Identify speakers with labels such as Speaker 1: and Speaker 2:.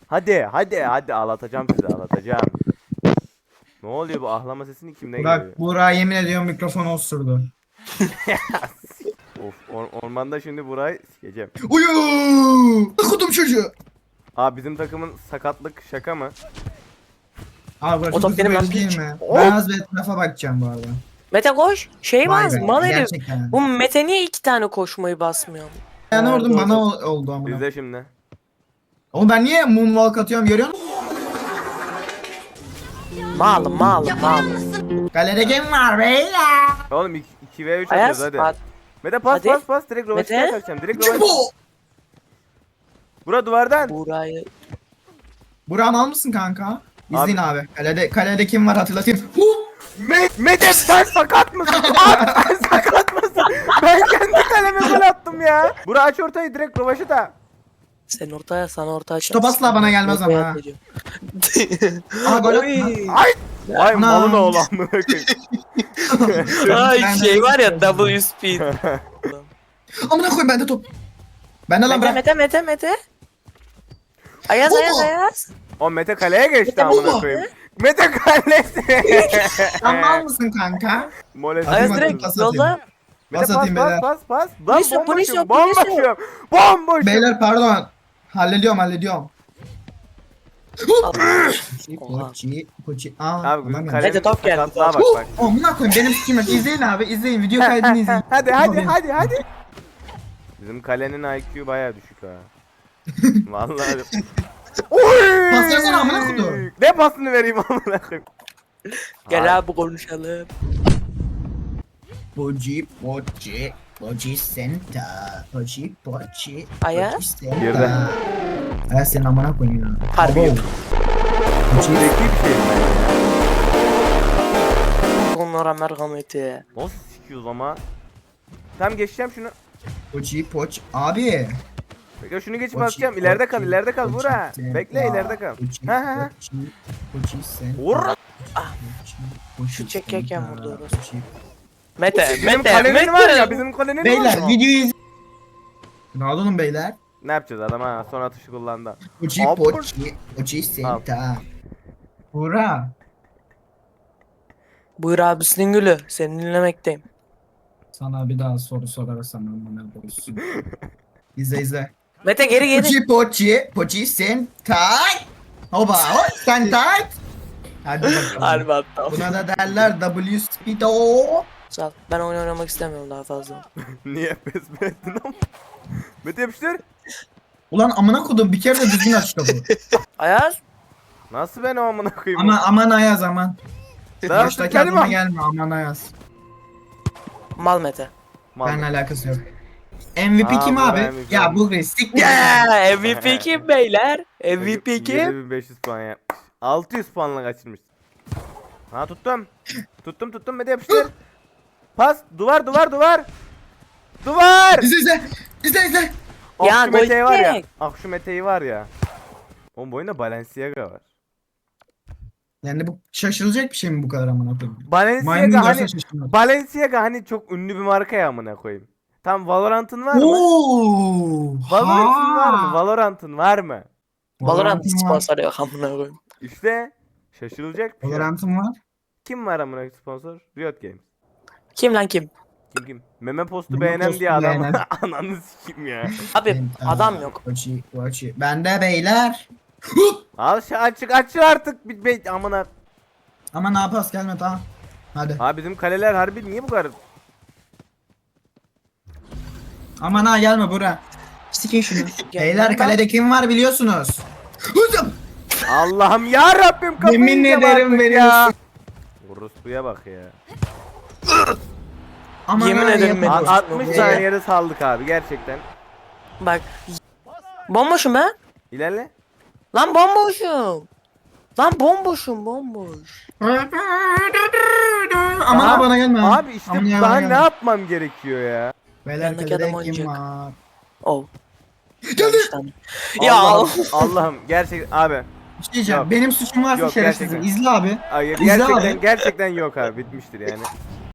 Speaker 1: Hadi ağlatacağım sizi ağlatacağım. Ne oluyor bu ahlama sesini kimden geliyor?
Speaker 2: Burak, Burak yemin ediyorum mikrofonu osurdu.
Speaker 1: Of ormanda şimdi burayı sikeceğim.
Speaker 2: Uyu! Kudum çocuğu.
Speaker 1: Abi bizim takımın sakatlık şaka mı?
Speaker 2: Abi burası
Speaker 3: O top benim
Speaker 2: böyle
Speaker 3: lan,
Speaker 2: değil
Speaker 3: piç.
Speaker 2: mi?
Speaker 1: Hop.
Speaker 2: Ben az bir etrafa bakacağım bu arada.
Speaker 3: Mete koş. Şey
Speaker 2: Vay
Speaker 3: var
Speaker 2: be,
Speaker 3: mal herif.
Speaker 2: gerçekten.
Speaker 3: Bu Mete niye 2 tane koşmayı basmıyor?
Speaker 2: Yani
Speaker 3: Nerede
Speaker 2: orada bana
Speaker 3: oldu?
Speaker 2: oldu ama.
Speaker 1: İzle şimdi.
Speaker 2: Oğlum ben niye moonwalk atıyorum görüyor musun?
Speaker 3: Mal.
Speaker 2: Galede kim var beyler?
Speaker 1: Oğlum 2v3
Speaker 3: Ayaz.
Speaker 1: atıyoruz hadi. Mete pas
Speaker 3: Hadi.
Speaker 1: pas direkt rovaştaya
Speaker 3: Mete.
Speaker 1: kaçacağım. Direkt
Speaker 2: Çık
Speaker 1: rovaş.
Speaker 2: bu!
Speaker 1: Bura duvardan.
Speaker 3: Burayı.
Speaker 2: Burak'ın al mısın kanka? İzleyin abi. Kalede kim var hatırlatayım. Huh!
Speaker 1: Mete sen sakat mısın? Abi sen sakat mısın? Ben kendi kaleme gol attım ya. Bura aç ortayı direkt rovaşı da.
Speaker 3: Sen ortaya sana orta aç.
Speaker 2: Top asla bana gelmez ama ha. Aha gol
Speaker 3: Oy.
Speaker 2: atma.
Speaker 1: Ay
Speaker 2: Ana.
Speaker 1: malın oğlu amına koyayım.
Speaker 3: Ay
Speaker 2: Ben
Speaker 3: şey
Speaker 2: de-
Speaker 3: var ya double speed.
Speaker 2: Amına koyayım bende top. Bende lan bırak.
Speaker 3: Mete. Ayaz.
Speaker 1: O Mete kaleye geçti
Speaker 3: Mete
Speaker 1: amına
Speaker 2: baba.
Speaker 1: koyayım. Mete kalesi.
Speaker 2: Sen mal mısın kanka?
Speaker 1: Mole
Speaker 2: Ayaz
Speaker 3: Ayaz
Speaker 2: Hadi
Speaker 3: direkt
Speaker 2: pas atayım.
Speaker 3: yolda.
Speaker 1: Mete
Speaker 2: Pas atayım beyler.
Speaker 1: pas. Lan
Speaker 3: Polis yok, polis yok,
Speaker 1: bomboşum. Bomboşum.
Speaker 2: Beyler pardon. Hallediyorum.
Speaker 3: Oha.
Speaker 2: Poçi. Aa,
Speaker 1: Abi
Speaker 2: adam
Speaker 1: bizim
Speaker 2: geldi.
Speaker 1: kalenin
Speaker 3: Mete top geldi,
Speaker 1: sakatlığa
Speaker 3: top.
Speaker 1: bak.
Speaker 2: Amına koyayım benim sikim yok. İzleyin abi izleyin. Video kaydını izleyin.
Speaker 1: Hadi. Bizim kalenin IQ bayağı düşük ha. Vallahi. Oy!
Speaker 2: Pas versene amına koyayım.
Speaker 1: Ne pasını vereyim amına koyayım?
Speaker 3: Gel abi konuşalım.
Speaker 2: Poçi senta. Poçi.
Speaker 3: Ayaz?
Speaker 2: Poçi senta.
Speaker 1: Girdi.
Speaker 2: Ayaz senin amına koyayım ya.
Speaker 3: Harbi yok.
Speaker 2: Poçi.
Speaker 1: Zeki bir şey ben ya.
Speaker 3: Onlara merhameti.
Speaker 1: Nasıl sikiyoruz ama? Tam geçeceğim şunu.
Speaker 2: Poç. Abi.
Speaker 1: Bekle şunu geçip
Speaker 2: Poçi,
Speaker 1: basacağım. İleride kal,
Speaker 2: Poçi,
Speaker 1: ileride kal
Speaker 2: Poçi
Speaker 1: Bura.
Speaker 2: senta.
Speaker 1: Bekle ileride kal. Ha.
Speaker 2: Poçi senta.
Speaker 1: Vur.
Speaker 3: Şu çekerken vurdu orası.
Speaker 2: Poçi.
Speaker 3: Mete.
Speaker 1: Bizim kalenin var ya, bizim kalenin var
Speaker 2: Beyler
Speaker 1: ya.
Speaker 2: videoyu izleyin. Ne olun beyler?
Speaker 1: Ne yapacağız adam ha? Son atışı kullandı.
Speaker 2: Poçi
Speaker 1: Al,
Speaker 2: Poçi senta. Bura.
Speaker 3: Buyur abisinin gülü. Seni dinlemekteyim.
Speaker 2: Sana bir daha soru sorarsam amına koyayım. İzle.
Speaker 3: Mete geri.
Speaker 2: Poçi sentai. Hoba hop sentai. Hadi bakalım.
Speaker 3: Harbi hatta.
Speaker 2: Buna da derler W speedo.
Speaker 3: Sağ ol. Ben oyun oynamak istemiyorum daha fazla.
Speaker 1: Niye pes mi ettin ama? Mete yapıştır.
Speaker 2: Ulan amına kodum bir kere de düzgün aç kapı.
Speaker 3: Ayaz.
Speaker 1: Nasıl ben o amına koyayım?
Speaker 2: Aman Ayaz aman.
Speaker 1: Daha
Speaker 2: Baştaki
Speaker 1: kelime.
Speaker 2: adama gelme aman Ayaz.
Speaker 3: Mal Mete.
Speaker 1: Mal.
Speaker 2: Benimle alakası yok. MVP
Speaker 1: Aa,
Speaker 2: kim
Speaker 1: bu
Speaker 2: abi?
Speaker 1: MVP.
Speaker 2: Ya bu Ristik mi?
Speaker 3: Yeah, MVP kim beyler? MVP kim?
Speaker 1: 7500 puan yapmış. 600 puanla kaçırmış. Ha tuttum. Tuttum Mete yapıştır. Pas duvar. Duvar.
Speaker 2: İzle.
Speaker 1: Ah
Speaker 3: Ya,
Speaker 1: şu Mete'yi var ya.
Speaker 3: gol
Speaker 1: Şu Mete'yi var ya. Oğlum bu oyunda Balenciaga var.
Speaker 2: Yani bu şaşırılacak bir şey mi bu kadar amına koyayım? Maymun
Speaker 1: Balenciaga
Speaker 2: görse
Speaker 1: hani
Speaker 2: şaşırmaz.
Speaker 1: Balenciaga hani çok ünlü bir marka ya amına koyayım. Tam Valorant'ın var mı?
Speaker 2: Oo!
Speaker 1: Valorant'ın var mı?
Speaker 3: Valorant
Speaker 2: var.
Speaker 3: sponsor yok amına koyayım.
Speaker 1: İşte şaşırılacak bir şey.
Speaker 2: Valorant'ım var.
Speaker 1: Kim var amına koyayım sponsor? Riot Games.
Speaker 3: Kim lan kim?
Speaker 1: Kim? Meme postu
Speaker 2: Meme
Speaker 1: beğenen
Speaker 2: postu
Speaker 1: diye adam.
Speaker 2: beğenen.
Speaker 1: Ananı sikeyim ya.
Speaker 3: Abi adam yok.
Speaker 2: Poçi. Bende beyler.
Speaker 1: Al şu açık artık bir amına.
Speaker 2: Ama ne yapas gelme tamam. Hadi.
Speaker 1: Abi bizim kaleler harbi niye bu kadar?
Speaker 2: Aman ha gelme bura. Sikin şunu.
Speaker 3: Gel
Speaker 2: Beyler
Speaker 3: lan.
Speaker 2: kalede kim var biliyorsunuz. Hızım.
Speaker 1: Allah'ım ya Rabbim kafayı
Speaker 2: Yemin
Speaker 1: yiyeceğim
Speaker 2: ederim
Speaker 1: artık
Speaker 2: veriyorsun.
Speaker 1: ya. Orospuya bak ya.
Speaker 2: Aman
Speaker 3: Yemin
Speaker 2: ha,
Speaker 3: ederim
Speaker 2: yapın.
Speaker 3: ben-
Speaker 1: 60
Speaker 3: Ya.
Speaker 1: saniyede saldık abi gerçekten.
Speaker 3: Bak. Bomboşum ben.
Speaker 1: İlerle.
Speaker 3: Lan bomboşum. Bomboş.
Speaker 2: Aman
Speaker 1: Aha,
Speaker 2: ha bana gelme.
Speaker 1: Abi işte
Speaker 2: Aman ya,
Speaker 1: daha
Speaker 2: bana
Speaker 1: ne
Speaker 2: gelme.
Speaker 1: yapmam gerekiyor ya?
Speaker 2: Beyler
Speaker 3: Yanındaki
Speaker 2: kalede
Speaker 3: adam
Speaker 2: kim
Speaker 3: oynayacak.
Speaker 2: var?
Speaker 3: Oh.
Speaker 2: Geldi.
Speaker 3: Ya
Speaker 1: Allah'ım gerçek abi.
Speaker 2: Bir şey diyeceğim.
Speaker 1: Yok.
Speaker 2: Benim suçum varsa
Speaker 1: Yok,
Speaker 2: şerefsizim.
Speaker 1: gerçekten.
Speaker 2: İzle abi.
Speaker 1: Hayır
Speaker 2: İzle
Speaker 1: gerçekten
Speaker 2: abi.
Speaker 1: gerçekten yok abi bitmiştir yani.